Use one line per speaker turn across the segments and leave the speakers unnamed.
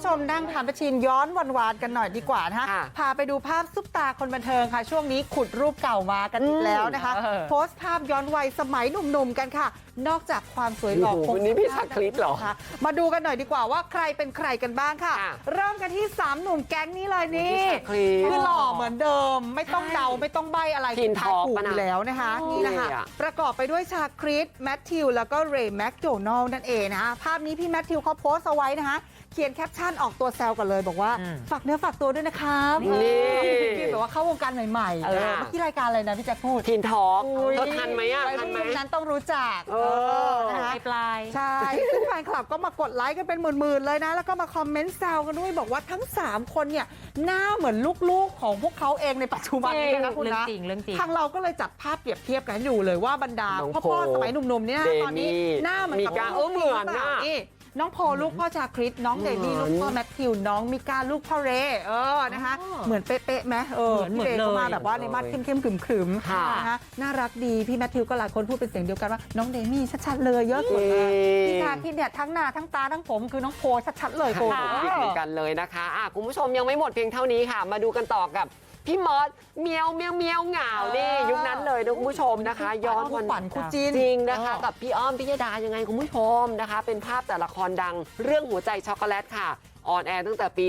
ชมนั่งทานประชินย้อนวานๆกันหน่อยดีกว่านะคะพาไปดูภาพซุปตาคนบันเทิงค่ะช่วงนี้ขุดรูปเก่ามากันอีกแล้วนะคะโพสต์ภาพย้อนวัยสมัยหนุ่มๆกันค่ะนอกจากความสวยหล่อ
วันนี้พี่ชักคลิปเหรอ
คะมาดูกันหน่อยดีกว่าว่าใครเป็นใครกันบ้างค่ะเริ่มกันที่3หนุ่มแก๊งนี้เลยนี่คือหล่อเหมือนเดิมไม่ต้องเดาไม่ต้องใบ้อะไร
ทินทอก
ถูกแล้วนะคะนี่นะคะประกอบไปด้วยชาคริสแมทธิวแล้วก็เรย์แมคโดนัลล์นั่นเองนะคะภาพนี้พี่แมทธิวเขาโพสต์เอาไว้นะคะเขียนแคปชั่นออกตัวแซวกันเลยบอกว่าฝากเนื้อฝากตัวด้วยนะครับนี่แบบว่าเข้าวงการใหม่ๆเมื่อกี้รายการอะไรนะพี่แจ๊คพูด
ทินทอกทันไหมอ่ะทันไหม
นั้นต้องรู้จัก
นะคะปลาย
ใช่ซึ่งแฟนคลับก็มากดไลค์กันเป็นหมื่นๆเลยนะแล้วก็มาคอมเมนต์แซวกันด้วยบอกว่าทั้ง3คนเนี่ยหน้าเหมือนลูกๆของพวกเขาเองในปัจจุบันนี้นะคุณนะทางเราก็เลยจัดภาพเปรียบเทียบกันอยู่เลยว่าบรรดาพ่อสมัยหนุ่มๆเนี่ยตอนนี้หน้าเหมือนกับ
เหมือน
นี่น้องโพลูกพ่อชาคริสน้องเดมี่ลูกพ่อแมทธิวน้องมิก้าลูกพ่อเรนะคะเหมือนเป๊ะๆไหมพี่เรย์เข้ามาแบบว่าในมาดเข้มๆขรึมๆนะคะน่ารักดีพี่แมทธิวก็หลายคนพูดเป็นเสียงเดียวกันว่าน้องเดมี่ชัดๆเลยเยอะสุดเลยพี่ชาคริสเนี่ยทั้งหน้าทั้งตาทั้งผมคือน้องโพชัดๆเลยโพ
เหมือนกันเลยนะคะคุณผู้ชมยังไม่หมดเพียงเท่านี้ค่ะมาดูกันต่อกับพี่มอสเมียวเหงานี่ยุคนั้นเลยนะคุณผู้ชมนะคะย้อน
วันคู่จิ้น
จริงนะคะกับพี่อ้อมพิยดายังไงคุณผู้ชมนะคะเป็นภาพแต่ละครดังเรื่องหัวใจช็อกโกแลตค่ะออนแอร์ตั้งแต่ปี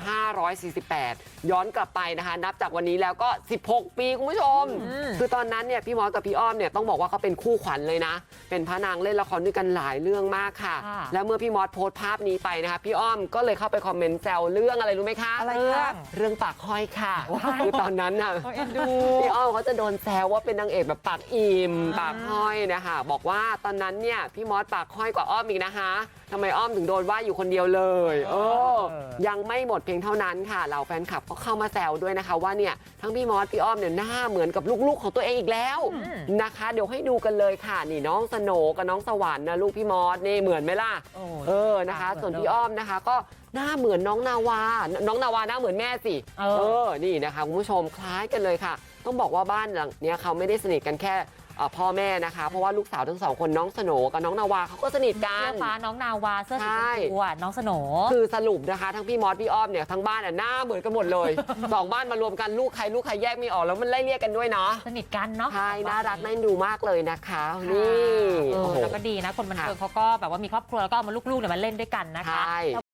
2548 ย้อนกลับไปนะคะนับจากวันนี้แล้วก็16 ปีคุณผู้ชมคือตอนนั้นเนี่ยพี่มอสกับพี่อ้อมเนี่ยต้องบอกว่าเขาเป็นคู่ขวัญเลยนะเป็นพระนางเล่นละครด้วยกันหลายเรื่องมากค่ะแล้วเมื่อพี่มอสโพสต์ภาพนี้ไปนะคะพี่อ้อมก็เลยเข้าไปคอมเมนต์แซวเรื่องอะไรรู้ไหมคะเรื่องปากห้อยค่ะคือตอนนั้นน่ะพี่อ้อมเขาจะโดนแซวว่าเป็นนางเอกแบบปากอิ่มปากห้อยนะคะบอกว่าตอนนั้นเนี่ยพี่มอสปากห้อยกว่าอ้อมอีกนะคะทำไมอ้อมถึงโดนว่าอยู่คนเดียวเลยยังไม่หมดเพียงเท่านั้นค่ะเหล่าแฟนคลับก็เข้ามาแซวด้วยนะคะว่าเนี่ยทั้งพี่มอสพี่อ้อมเนี่ยหน้าเหมือนกับลูกๆของตัวเองอีกแล้วนะคะเดี๋ยวให้ดูกันเลยค่ะนี่น้องสโหน่กับน้องสวรรค์นะลูกพี่มอสนี่เหมือนไหมล่ะนะคะส่วนพี่อ้อมนะคะก็หน้าเหมือนน้องนาวาหน้าเหมือนแม่สินี่นะคะคุณผู้ชมคล้ายกันเลยค่ะต้องบอกว่าบ้านหลังเนี้ยเขาไม่ได้สนิทกันแค่พ่อแม่นะคะเพราะว่าลูกสาวทั้ง2คนน้องสโหน่กับน้องนาวาเขาก็สนิทกัน
เสื้อฟ้าน้องนาวาเสื้อสีชมพูน้องสโหน่
คือสรุปนะคะทั้งพี่มอสพี่อ้อมเนี่ยทั้งบ้านหน้าเหมือนกันหมดเลย2บ้านมารวมกันลูกใครแยกไม่ออกแล้วมันไล่เรียกกันด้วยเนาะ
สนิทกันเนาะ
ใช่น่ารักน่าดูมากเลยนะคะนี่
แล้วก็ดีนะคนบันเทิงเขาก็แบบว่ามีครอบครัวแล้วก็เอามาลูกๆเนี่ยมาเล่นด้วยกันนะคะ